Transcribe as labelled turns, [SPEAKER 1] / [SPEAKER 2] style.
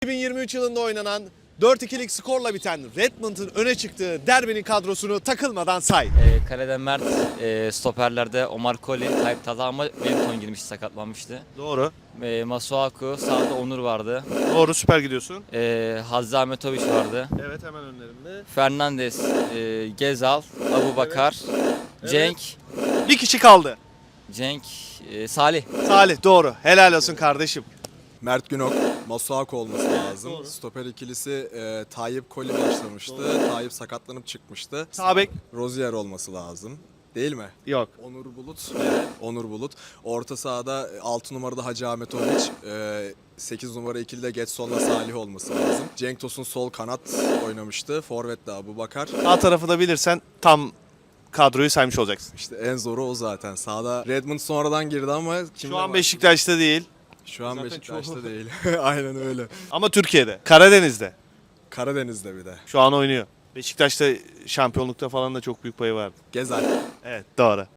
[SPEAKER 1] 2023 yılında oynanan 4-2'lik skorla biten Redmond'un öne çıktığı derbinin kadrosunu takılmadan say.
[SPEAKER 2] Kalede Mert, stoperlerde Omar Koli, Tayyip Talha ama Wellington girmişti, sakatlanmıştı.
[SPEAKER 1] Doğru.
[SPEAKER 2] Masuaku, sağda Onur vardı.
[SPEAKER 1] Doğru, süper gidiyorsun.
[SPEAKER 2] Hazza Ahmetoviç vardı.
[SPEAKER 1] Evet, hemen önlerinde.
[SPEAKER 2] Fernandes, Gezal, Abubakar, Cenk,
[SPEAKER 1] Bir kişi kaldı.
[SPEAKER 2] Salih.
[SPEAKER 1] Salih, doğru. Helal olsun kardeşim.
[SPEAKER 3] Mert Günok, Masuaku olması lazım.
[SPEAKER 1] doğru.
[SPEAKER 3] Stoper ikilisi Tayyip Koli başlamıştı. Tayyip sakatlanıp çıkmıştı.
[SPEAKER 1] Sağ bek.
[SPEAKER 3] Rozier olması lazım. Değil mi?
[SPEAKER 1] Yok.
[SPEAKER 3] Onur Bulut. Onur Bulut. Orta sahada 6 numarada Hacı Ahmetoviç. 8 numara ikilide Getson'la Salih olması lazım. Cenk Tosun sol kanat oynamıştı. Forvet'te Abubakar.
[SPEAKER 1] Sağ tarafı da bilirsen tam kadroyu saymış olacaksın.
[SPEAKER 3] İşte en zoru o zaten. Sağda Redmond sonradan girdi ama kimle
[SPEAKER 1] Şu an
[SPEAKER 3] var?
[SPEAKER 1] Beşiktaş'ta değil.
[SPEAKER 3] Şu an
[SPEAKER 1] Zaten
[SPEAKER 3] Beşiktaş'ta
[SPEAKER 1] çoğu-
[SPEAKER 3] değil. Aynen öyle.
[SPEAKER 1] Ama Türkiye'de. Karadeniz'de.
[SPEAKER 3] Karadeniz'de bir de.
[SPEAKER 1] Şu an oynuyor. Beşiktaş'ta şampiyonlukta falan da çok büyük payı vardı.
[SPEAKER 3] Gezer.
[SPEAKER 1] Evet, doğru.